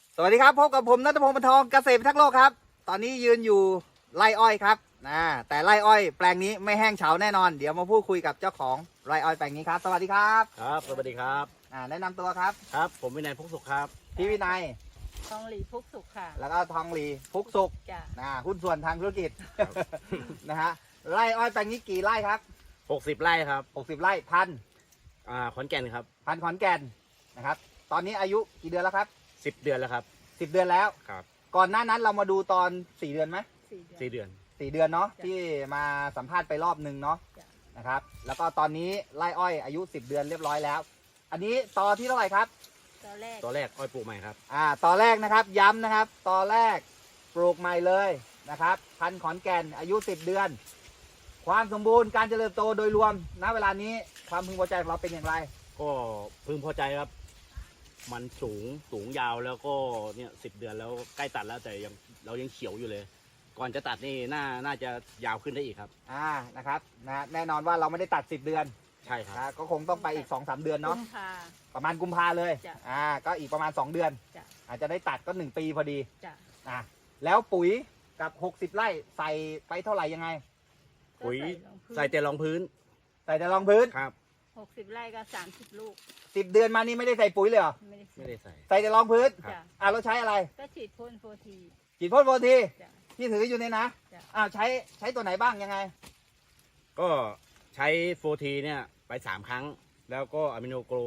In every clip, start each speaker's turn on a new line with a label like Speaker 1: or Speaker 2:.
Speaker 1: สวัสดีครับพบกับผมณัฐพงศ์ ปานทองเกษตรพิทักษ์โลกครับตอนนี้ยืนอยู่ไร่อ้อยครับแต่ไร่อ้อยแปลงนี้ไม่แห้งเฉาแน่นอนเดี๋ยวมาพูดคุยกับเจ้าของไร่อ้อยแปลงนี้ครับสวัสดีครับ
Speaker 2: ครับสวัสดีครับ
Speaker 1: แนะนำตัวครับ
Speaker 2: ครับผมวินัยพุกสุขครับ
Speaker 1: พี่วินัย
Speaker 3: ทองหลีพุกสุขค่ะ
Speaker 1: แล้วก็ทองหลีพุกสุข
Speaker 3: จ้ะ
Speaker 1: หุ้นส่วนทางธุรกิจ นะฮะไร่อ้อยแปลงนี้กี่ไร่ครับ
Speaker 2: 60 ไร่ครับ
Speaker 1: 60 ไร่พัน
Speaker 2: ขอนแก่นครับ
Speaker 1: พันขอนแก่นนะครับตอนนี้อายุกี่เดือนแล้วครับ
Speaker 2: 10 เดือนแล้วครับ
Speaker 1: 10 เดือนแล้ว
Speaker 2: ครับ
Speaker 1: ก่อนหน้านั้นเรามาดูตอน4 เดือนไหม
Speaker 2: 4 เดือน
Speaker 1: 4 เดือนเนาะที่มาสัมภาษณ์ไปรอบหนึ่งเนาะนะครับแล้วก็ตอนนี้ไร่อ้อยอายุ10 เดือนเรียบร้อยแล้วอันนี้ตอที่เท่าไหร่ครับ
Speaker 3: ตอ
Speaker 2: แรกอ้อยปลูกใหม่ครับ
Speaker 1: ตอแรกนะครับย้ำนะครับตอแรกปลูกใหม่เลยนะครับพันธุ์ขอนแก่นอายุ10 เดือนความสมบูรณ์การเจริญโตโดยรวมณเวลานี้ความพึงพอใจของเราเป็นอย่างไร
Speaker 2: ก็พึงพอใจครับมันสูงยาวแล้วก็เนี่ย10 เดือนแล้วใกล้ตัดแล้วแต่เรายังเขียวอยู่เลย ก่อนจะตัดนี่น่าจะยาวขึ้นได้อีกครับ
Speaker 1: นะครับแน่นอนว่าเราไม่ได้ตัด10 เดือน
Speaker 2: ใช่ครับ
Speaker 1: ก็คงต้องไปอีก 2-3 เดือนเนาะประมาณกุมภาเลยก็อีกประมาณ2 เดือนอาจจะได้ตัดก็1 ปีพอดีแล้วปุ๋ยกับ60 ไร่ใส่ไปเท่าไหร่ยังไง
Speaker 2: ปุ๋ยใส่แต่รองพื้น
Speaker 1: ใส่แต่รองพื้น
Speaker 2: ครับ
Speaker 3: 60 ไร่ก็30 ลูก
Speaker 1: 10 เดือนมานี่ไม่ได้ใส่ปุ๋ยเลยเหรอ
Speaker 2: ไม่ได้ใส่
Speaker 1: ใส่แต่รองพื้นเราใช้อะไร
Speaker 3: ก็ฉีดพ่นโฟที
Speaker 1: ที่ถืออยู่เนี่ยนะใช้ตัวไหนบ้างยังไง
Speaker 2: ก็ใช้โฟทีเนี่ยไป3 ครั้งแล้วก็อะมิโนโกร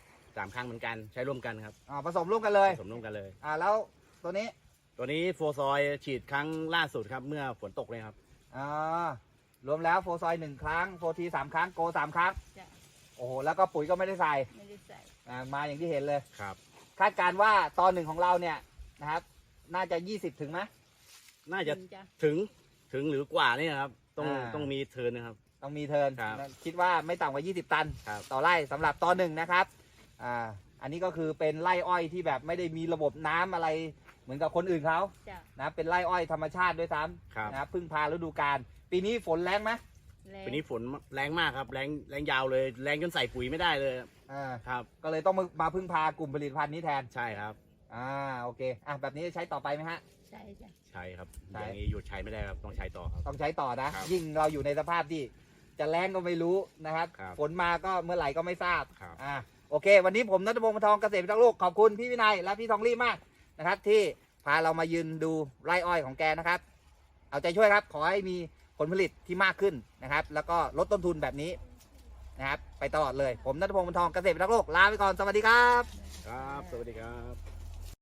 Speaker 2: 3 ครั้งเหมือนกันใช้ร่วมกันครับ
Speaker 1: ผสมร่วมกันเลยแล้วตัวนี้
Speaker 2: โฟซอยฉีดครั้งล่าสุดครับเมื่อฝนตกเลยครับ
Speaker 1: รวมแล้วโฟซอย1 ครั้งโฟที3 ครั้งโก3 ครั้งโอ้โหแล้วก็ปุ๋ยก็ไม่ได้ใส่มาอย่างที่เห็นเลย
Speaker 2: ครับ
Speaker 1: คาดการว่าตอน1ของเราเนี่ยนะครับน่าจะ20ถึงไหม
Speaker 2: น่าจะถึงหรือกว่านี่ครับต้องมีเทิร์นนะครับ
Speaker 1: ต้องมีเทิร์นคิดว่าไม่ต่ำกว่า20 ตันต่อไร่สำหรับตอน1นะครับอันนี้ก็คือเป็นไร่อ้อยที่แบบไม่ได้มีระบบน้ำอะไรเหมือนกับคนอื่นเขานะเป็นไร่อ้อยธรรมชาติด้วยซ้ำนะครับพึ่งพาฤดูกาลปีนี้ฝนแรงไหม
Speaker 2: ปีนี้ฝนแรงมากครับแรงยาวเลยแรงจนใส่ปุ๋ยไม่ได้เลยครับ
Speaker 1: ก็เลยต้องมาพึ่งพากลุ่มผลิตภัณฑ์นี้แทน
Speaker 2: ใช่ครับ
Speaker 1: โอเคแบบนี้ใช้ต่อไปไหมฮะ
Speaker 2: ใช่ครับอย่างนี้หยุดใช้ไม่ได้ครับต้องใช้ต่อครับ
Speaker 1: ต้องใช้ต่อนะยิ่งเราอยู่ในสภาพที่จะแรงก็ไม่รู้นะครับฝนมาก็เมื่อไหร่ก็ไม่ทราบโอเควันนี้ผมณัฐพงศ์ ปานทองเกษตรพิทักษ์โลกขอบคุณพี่วินัยและพี่ทองรี่มากนะครับที่พาเรามายืนดูไร่อ้อยของแกนะครับเอาใจช่วยครับขอให้มีผลผลิตที่มากขึ้นนะครับแล้วก็ลดต้นทุนแบบนี้นะครับไปตลอดเลยผมณัฐพงศ์ ปานทองเกษตรพิทักษ์โลกลาไปก่อนสวัสดีครับ
Speaker 2: ครับสวัสดีครับ